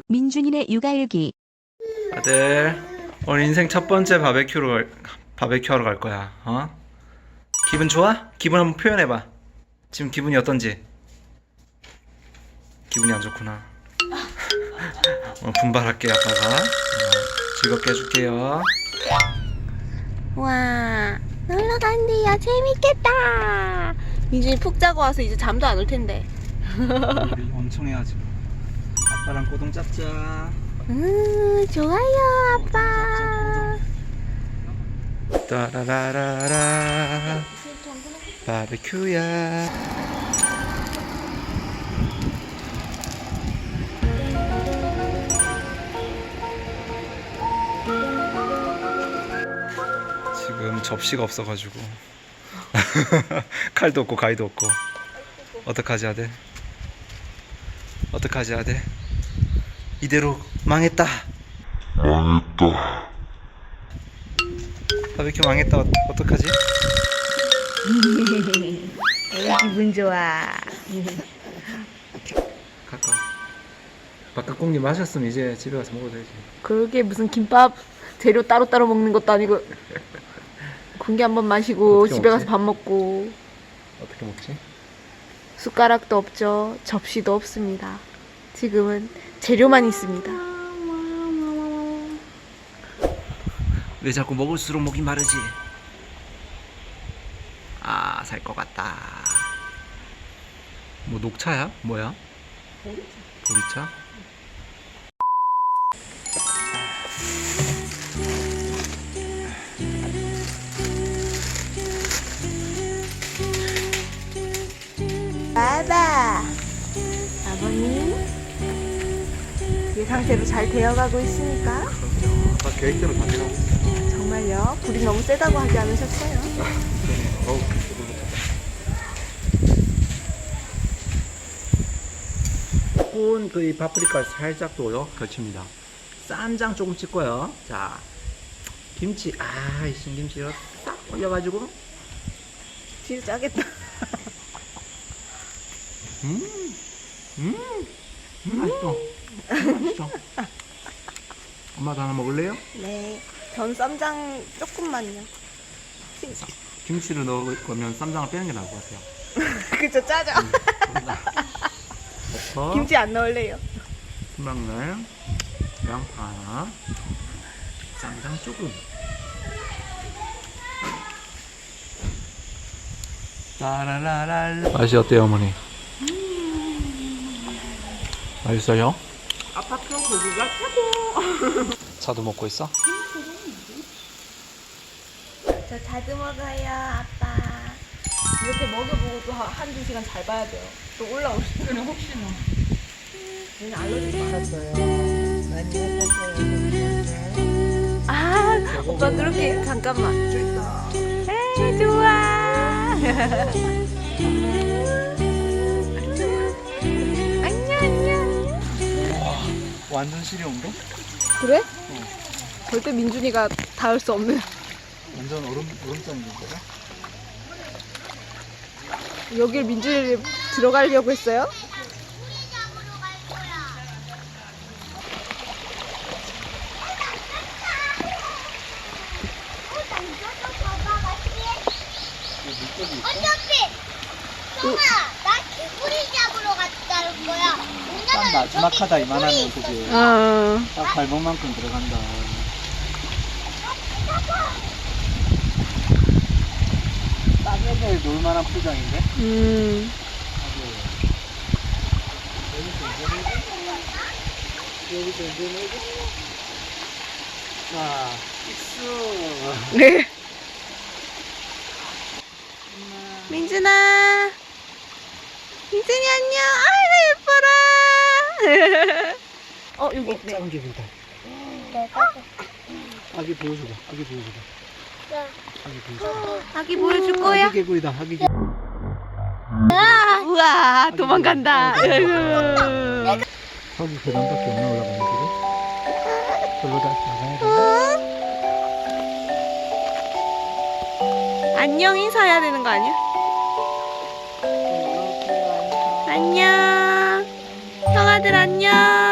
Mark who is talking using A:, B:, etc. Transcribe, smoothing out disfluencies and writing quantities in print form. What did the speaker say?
A: 민준이네 육아일기.
B: 아들, 오늘 인생 첫 번째 바베큐 하러 갈 거야. 어? 기분 좋아? 기분 한번 표현해봐. 지금 기분이 어떤지? 기분이 안 좋구나. 분발할게 아빠가. 즐겁게 해줄게요.
C: 와, 놀러 간대요. 재밌겠다. 민준이 푹 자고 와서 이제 잠도 안 올 텐데.
B: 우리 엄청 해야지. 아빠랑 꼬동 짭자.
C: 좋아요, 아빠.
B: 따라라라라. 바베큐야. 지금 접시가 없어가지고 칼도 없고 가위도 없고 어떡하지 아들? 어떡하지 아들? 이대로 망했다. 바베큐 망했다. 어떡하지?
C: 기분 좋아.
B: 가까. 바깥공기 마셨으면 이제 집에 가서 먹어도 되지.
C: 그게 무슨 김밥 재료 따로따로 먹는 것도 아니고 공기 한번 마시고
B: 어떻게
C: 집에
B: 먹지?
C: 가서 밥 먹고.
B: 어떻게 먹지?
C: 숟가락도 없죠. 접시도 없습니다. 지금은 재료만 있습니다.
B: 왜 자꾸 먹을수록 목이 마르지? 아, 살 것 같다. 뭐 녹차야? 뭐야? 보리차?
C: 바바 아버님 예상대로 잘 되어가고 있으니까.
B: 아빠 계획대로 다 되라고 있어.
C: 정말요? 불이 너무 세다고 하지 않으셨어요?
B: 어우, 구운 그 이 파프리카 살짝 또 걸칩니다. 쌈장 조금 찍고요. 자, 김치, 이 신김치를 딱 올려가지고.
C: 진짜 짜겠다.
B: 맛있어. 맛있어. 엄마도 하나 먹을래요?
C: 네, 전 쌈장 조금만요.
B: 김치를 넣을 거면 쌈장을 빼는 게 나을 것 같아요.
C: 그쵸, 짜죠?
B: 넣고
C: 김치 안 넣을래요.
B: 순방울, 양파, 쌈장 조금. 따라라랄. 맛이 어때요, 어머니? 맛있어요?
C: 아파트 고기가 최고.
B: 차도 먹고 있어?
C: 저 자주 먹어요, 아빠. 이렇게 먹여보고 또 한두 시간 잘 봐야 돼요. 또 올라올 수 있어요. 혹시나. 얘는 알러지 많았어요. 많이 했었어요. 아, 오빠 그렇게 잠깐만. 에이, 좋아. 안녕, 안녕.
B: 완전 시려운데?
C: 그래? 절대 민준이가 닿을 수 없는.
B: 완전 얼음장인 거야?
C: 여길 민준이 들어가려고 했어요?
D: 어차피 형아 나 개구리 잡으러 갔다는 거야.
E: 딱 마지막 하다 이만하면 그지? 딱 발목만큼 들어간다. 딱 애들 놀만한 포장인데? 여기서 이제 내고 자, 익수.
C: 네. 민준아. 민준이 안녕. 아이고 예뻐라. 여기 있네.
E: 작은 개구리다. 아기 보여줘봐. 아기 보여줘봐. 아기 보여줘봐.
C: 아기 보여줄 거야?
E: 아기 개구리다. 아기 개구리.
C: 우와 도망간다. 아이고.
E: 저기 계단밖에 없나 올라가는 길이? 저로 다시 나가야 돼.
C: 안녕 인사해야 되는 거 아니야? 안녕. 형아들 안녕.